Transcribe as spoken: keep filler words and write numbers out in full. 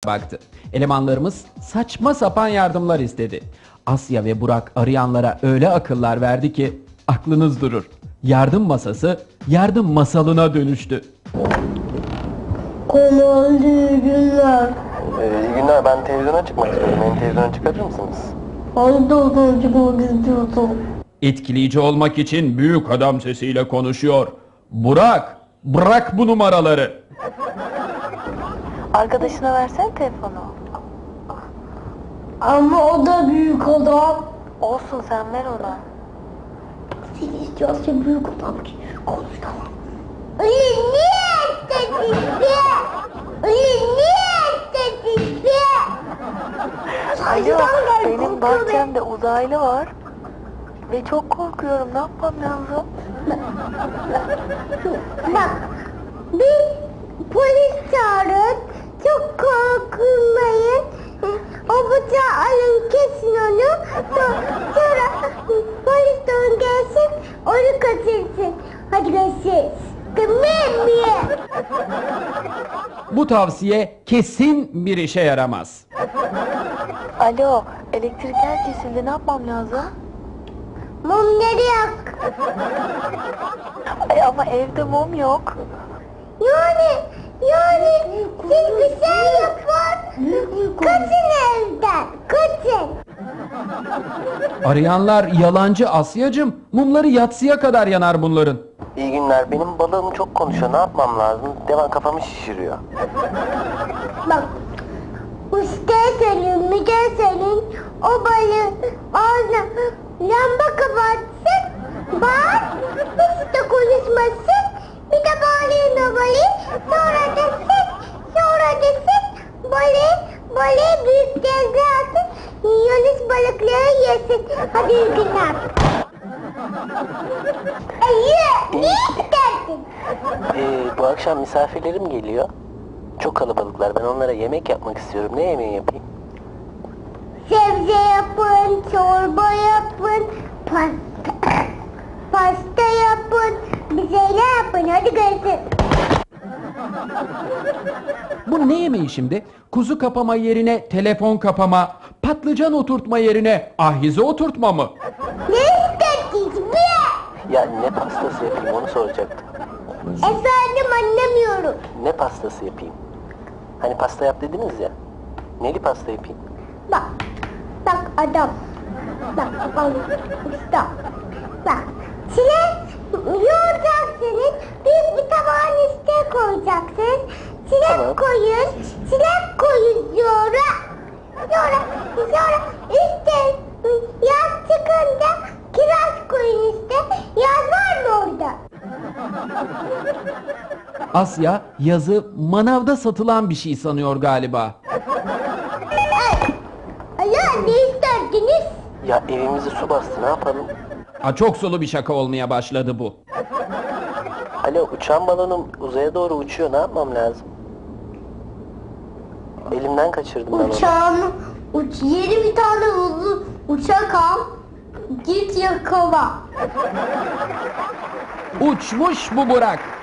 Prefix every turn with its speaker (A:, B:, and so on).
A: baktı. Elemanlarımız saçma sapan yardımlar istedi. Asya ve Burak arayanlara öyle akıllar verdi ki aklınız durur. Yardım masası yardım masalına dönüştü.
B: Kanal iyi günler.
C: Ee, iyi günler, ben televizyona çıkmak istiyorum. Beni televizyona çıkarır mısınız?
B: Hangi televizyona çıkmak istiyorsun?
A: Etkileyici olmak için büyük adam sesiyle konuşuyor. Burak, bırak bu numaraları.
D: Arkadaşına versene telefonu.
B: Ama o da büyük adam.
D: Olsun, sen ver ona.
B: Seni istiyorsa büyük adam ki konuş tamam. Öyle niye istedin? Öyle niye istedin?
D: Alo, benim bahçemde uzaylı var. Ve çok korkuyorum, ne yapmam lazım?
B: Bak, bir polis çağırın, çok korkmayın. O bıçağı alın, kesin onu. Sonra polis de onu gelsin, onu kaçırsın. Hadi görüşürüz. Tamam mı?
A: Bu tavsiye kesin bir işe yaramaz.
D: Alo, elektrikler kesildi, ne yapmam lazım?
B: Mumları yak.
D: Ay ama evde mum yok.
B: Yani, yani siz bir şey yapın. Kaçın evden, kaçın.
A: Arayanlar yalancı Asyacığım. Mumları yatsıya kadar yanar bunların.
C: İyi günler, benim balığım çok konuşuyor. Ne yapmam lazım? Devam kafamı şişiriyor.
B: Bak, ustaya söyleyeyim, müdüre söyleyeyim. O balığı ağzına lamba kapatsın. Bak, hiç de konuşmasın. Bir de bağlayın o balığı. Sonra desin, sonra desin. Balığı, balığı büyük denize atın. Yunus balıkları yesin. Hadi iyi günler. Ay, ne isterdin?
C: Ee, bu akşam misafirlerim geliyor. Çok kalabalıklar. Ben onlara yemek yapmak istiyorum. Ne yemeği yapayım?
B: Sebze yapın, çorba yapın, pasta, pasta yapın, bir şeyler yapın. Hadi görüşürüz.
A: Bu ne yemeği şimdi? Kuzu kapama yerine telefon kapama, patlıcan oturtma yerine ahize oturtma mı?
B: Ne istediniz be?
C: Ya ne pastası yapayım onu soracaktım.
B: Efendim anlamıyorum.
C: Ne pastası yapayım? Hani pasta yap dediniz ya. Neli pasta yapayım?
B: Bak, bak adam. Bak, al, usta. Bak, çilek yoğuracaksınız. Büyük bir tabağın üstüne koyacaksınız. Çilek
C: Tamam.
B: koyun, çilek koyun yoğura. Yoğura, sonra üstte yaz çıkınca kiraz koyun üstte. Yaz var mı orada?
A: Asya yazı manavda satılan bir şey sanıyor galiba.
B: Alo, ne isterdiniz?
C: Ya evimizi su bastı, ne yapalım?
A: Ha, çok sulu bir şaka olmaya başladı bu.
C: Alo, uçan balonum uzaya doğru uçuyor. Ne yapmam lazım? Elimden kaçırdım ben onu.
B: Uçağını, uç, yeni bir tane hızlı uçak al. Git yakala.
A: Uçmuş bu Burak.